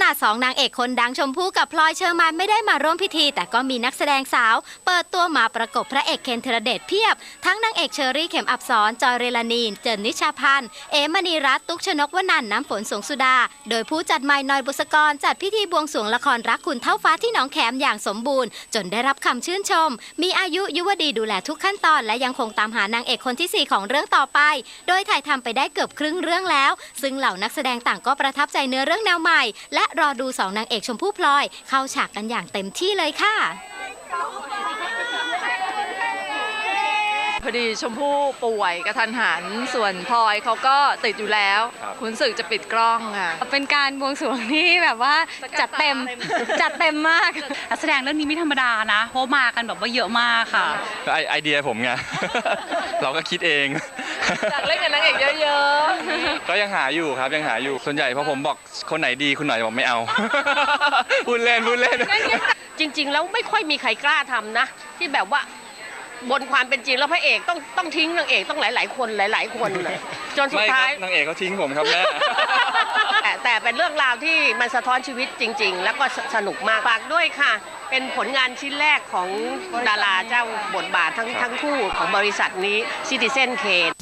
นาด2นางเอกคนดังชมพู่กับพลอยเชอร์มานไม่ได้มาร่วมพิธีแต่ก็มีนักแสดงสาวเปิดตัวมาประกบพระเอกเคนธีรเดชเพียบทั้งนางเอกเชอรี่เข็มอับสรจอยเรลานีเจินนิชาพันธ์เอมณีรัตน์ตุ๊กชนกวนันท์น้ำฝนสงสุดาโดยผู้จัดใหม่นอยบุษกรจัดพิธีบวงสรวงละครรักคุณเท่าฟ้าที่หนองแขมอย่างสมบูรณ์จนได้รับคำชื่นชมมีอายุยุวดีดูแลทุกขั้นตอนและยังคงตามหานางเอกคนที่4ของเรื่องต่อไปโดยถ่ายทำไปได้เกือบครึ่งเรื่องแล้วซึ่งเหล่านักแสดงต่างก็ประทับใจเนื้อเรื่องแนวใหม่และรอดู2นางเอกชมพู่พลอยเข้าฉากกันอย่างเต็มที่เลยค่ะพอดีชมพู่ป่วยกระทันหันส่วนพลอยเขาก็ติดอยู่แล้วคุณสึกจะปิดกล้องค่ะเป็นการบวงสรวงที่แบบว่าจัดเต็มมากนักแสดงเรื่องนี้ไม่ธรรมดานะเพราะมากันแบบว่าเยอะมากค่ะไอเดียผมไง เราก็คิดเองอยากเล่นกับนางเอกเยอะๆก็ยังหาอยู่ครับยังหาอยู่ส่วนใหญ่พอผมบอกคนไหนดีคุณหน่อยบอกไม่เอา พูดเล่นจริงๆแล้วไม่ค่อยมีใครกล้าทำนะที่แบบว่าบนความเป็นจริงแล้วพระเอกต้องทิ้งนางเอกต้องหลายๆคนเลยจนสุดท้ายนางเอกเขาทิ้งผมครับแม่แต่เป็นเรื่องราวที่มันสะท้อนชีวิตจริงๆแล้วก็สนุกมากฝากด้วยค่ะเป็นผลงานชิ้นแรกของดาราเจ้าบทบาททั้งคู่ของบริษัทนี้ Citizen Kane